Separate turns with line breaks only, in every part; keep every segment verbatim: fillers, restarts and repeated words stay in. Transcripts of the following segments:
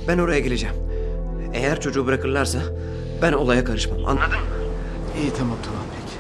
Ben oraya geleceğim. Eğer çocuğu bırakırlarsa ben olaya karışmam. Anladın mı?
İyi tamam tamam peki.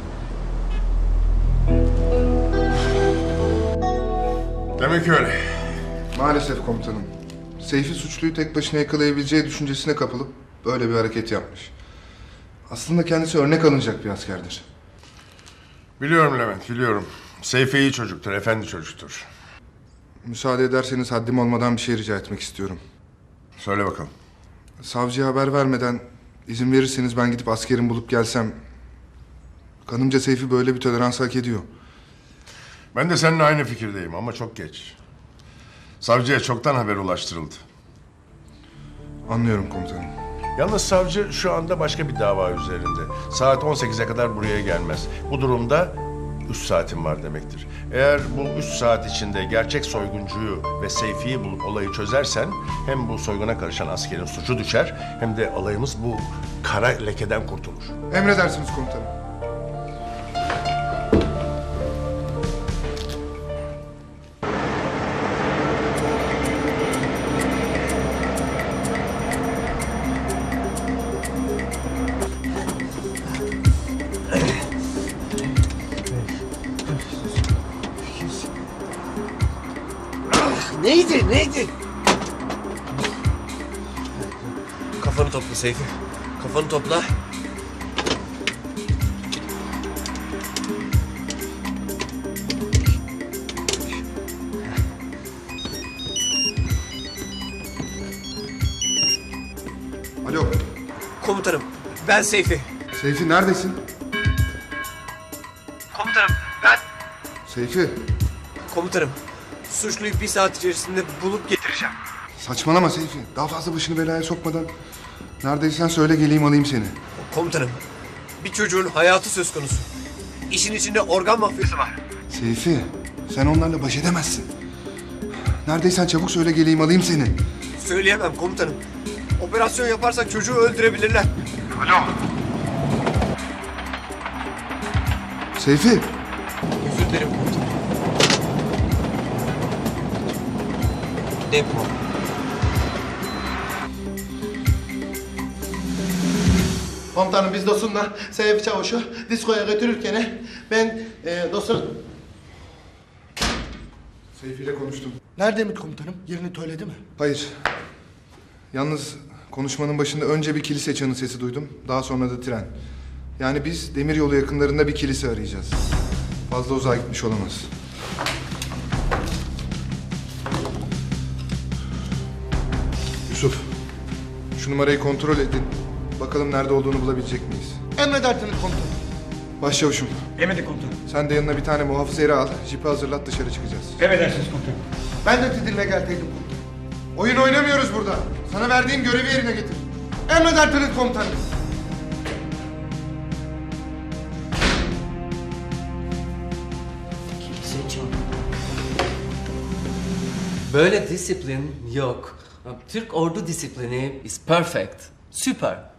Demek öyle.
Maalesef komutanım. Seyfi suçluyu tek başına yakalayabileceği düşüncesine kapılıp böyle bir hareket yapmış. Aslında kendisi örnek alınacak bir askerdir.
Biliyorum Levent, biliyorum. Seyfi iyi çocuktur, efendi çocuktur.
Müsaade ederseniz haddim olmadan bir şey rica etmek istiyorum.
Söyle bakalım.
Savcıya haber vermeden izin verirseniz ben gidip askerimi bulup gelsem... Kanımca Seyfi böyle bir tolerans hak ediyor.
Ben de seninle aynı fikirdeyim ama çok geç. Savcıya çoktan haber ulaştırıldı.
Anlıyorum komutanım.
Yalnız savcı şu anda başka bir dava üzerinde. Saat on sekize kadar buraya gelmez. Bu durumda üç saatin var demektir. Eğer bu üç saat içinde gerçek soyguncuyu ve Seyfi'yi bulup olayı çözersen... hem bu soyguna karışan askerin suçu düşer... hem de alayımız bu kara lekeden kurtulur.
Emredersiniz komutanım.
Neydi? Neydi? Kafanı topla Seyfi. Kafanı topla.
Alo.
Komutanım, ben Seyfi.
Seyfi neredesin?
Komutanım, ben...
Seyfi.
Komutanım, suçluyu bir saat içerisinde bulup getireceğim.
Saçmalama Seyfi. Daha fazla başını belaya sokmadan... Neredeysen söyle geleyim alayım seni.
Komutanım, bir çocuğun hayatı söz konusu. İşin içinde organ mafyası var.
Seyfi, sen onlarla baş edemezsin. Neredeysen çabuk söyle geleyim alayım seni.
Söyleyemem komutanım. Operasyon yaparsak çocuğu öldürebilirler.
Alo. Seyfi.
Özür dilerim komutanım. Depo.
Komutanım biz Dosun'la Seyfi Çavuş'u diskoya götürürken ben e, Dosun...
Seyfi ile konuştum.
Nerede mi komutanım? Yerini söyledi mi?
Hayır. Yalnız konuşmanın başında önce bir kilise çanı sesi duydum. Daha sonra da tren. Yani biz demiryolu yakınlarında bir kilise arayacağız. Fazla uzağa gitmiş olamaz. Yusuf, şu numarayı kontrol edin. Bakalım nerede olduğunu bulabilecek miyiz?
Emredersiniz komutanım.
Başçavuşum,
Emredin komutanım.
sen de yanına bir tane muhafız eri al. Jipi hazırlat, dışarı çıkacağız.
Emredersiniz komutanım.
Ben de sizinle geldiydim komutanım.
Oyun oynamıyoruz burada. Sana verdiğim görevi yerine getir.
Emredersiniz komutanım.
Böyle disiplin yok. Türk ordu disiplini is perfect. Süper.